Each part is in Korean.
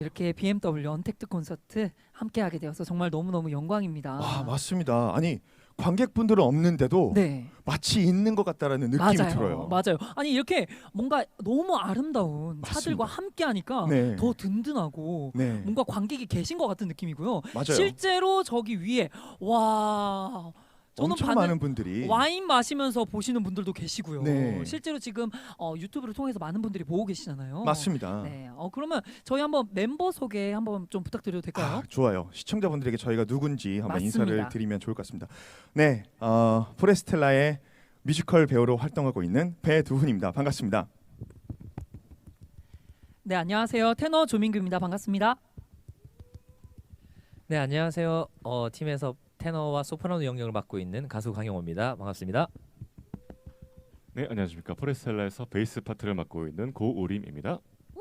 이렇게 BMW 언택트 콘서트 함께하게 되어서 정말 너무너무 영광입니다. 아, 맞습니다. 아니, 관객분들은 없는데도 네, 마치 있는 것 같다라는 느낌이 맞아요. 들어요. 맞아요. 아니 이렇게 뭔가 너무 아름다운 차들과 맞습니다. 함께하니까 네. 더 든든하고 네. 뭔가 관객이 계신 것 같은 느낌이고요. 맞아요. 실제로 저기 위에 와 저는 엄청 많은 분들이 와인 마시면서 보시는 분들도 계시고요. 네. 실제로 지금 유튜브를 통해서 많은 분들이 보고 계시잖아요. 맞습니다. 네. 그러면 저희 한번 멤버 소개 한번 좀 부탁드려도 될까요? 아, 좋아요. 시청자분들에게 저희가 누군지 한번 맞습니다. 인사를 드리면 좋을 것 같습니다. 네, 포레스텔라의 뮤지컬 배우로 활동하고 있는 배두훈입니다. 반갑습니다. 네, 안녕하세요. 테너 조민규입니다. 반갑습니다. 네, 안녕하세요. 팀에서 테너와 소프라노 영역을 맡고 있는 가수 강영호입니다. 반갑습니다. 네, 안녕하십니까. 포레스텔라에서 베이스 파트를 맡고 있는 고우림입니다.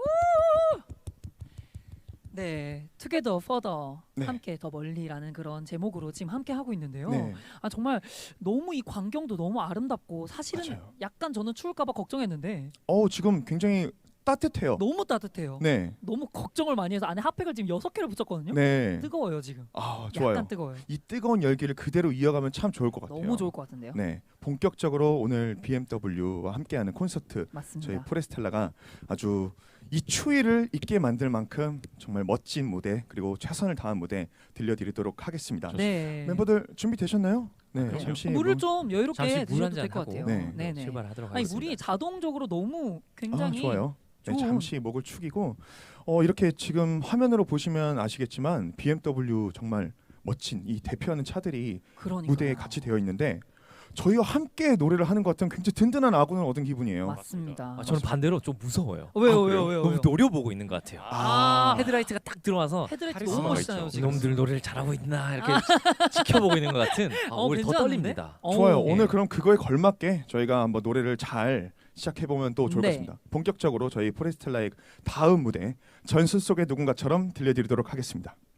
네, Together Further 네. 함께 더 멀리라는 그런 제목으로 지금 함께 하고 있는데요. 네, 정말 너무 이 광경도 너무 아름답고 사실은 맞아요. 약간 저는 추울까봐 걱정했는데 지금 굉장히 따뜻해요. 너무 따뜻해요. 네, 너무 걱정을 많이 해서 안에 핫팩을 지금 6개를 붙였거든요. 네. 뜨거워요 지금. 아, 좋아요. 약간 뜨거워요. 이 뜨거운 열기를 그대로 이어가면 참 좋을 것 같아요. 너무 좋을 것 같은데요. 네, 본격적으로 오늘 BMW와 함께하는 콘서트 맞습니다. 저희 포레스텔라가 아주 이 추위를 잊게 만들 만큼 정말 멋진 무대 그리고 최선을 다한 무대 들려드리도록 하겠습니다. 네. 멤버들 준비되셨나요? 네, 그럼요. 잠시 물을 뭐- 좀 여유롭게 잠시 물 드셔도 한잔 될 것 하고 같아요. 네. 네네. 출발하도록 아니 하겠습니다. 물이 자동적으로 너무 굉장히 좋아요. 네, 좋은- 잠시 목을 축이고 이렇게 지금 화면으로 보시면 아시겠지만 BMW 정말 멋진 이 대표하는 차들이 그러니까요. 무대에 같이 되어 있는데 저희와 함께 노래를 하는 것 같은 굉장히 든든한 아군을 얻은 기분이에요. 맞습니다. 저는 반대로 좀 무서워요. 왜요, 그래요? 왜요? 너무 노려보고 있는 것 같아요. 아, 헤드라이트가 딱 들어와서 헤드라이트 카리스마가 너무 멋있잖아요 있죠. 지금. 이놈들 노래를 잘하고 있나 이렇게 지켜보고 있는 것 같은 오히려 더 괜찮은데? 떨립니다. 좋아요. 오. 오늘 그럼 그거에 걸맞게 저희가 한번 노래를 잘 시작해 보면 또 좋을 것 네. 같습니다. 본격적으로 저희 포레스텔라의 다음 무대 전술 속의 누군가처럼 들려드리도록 하겠습니다.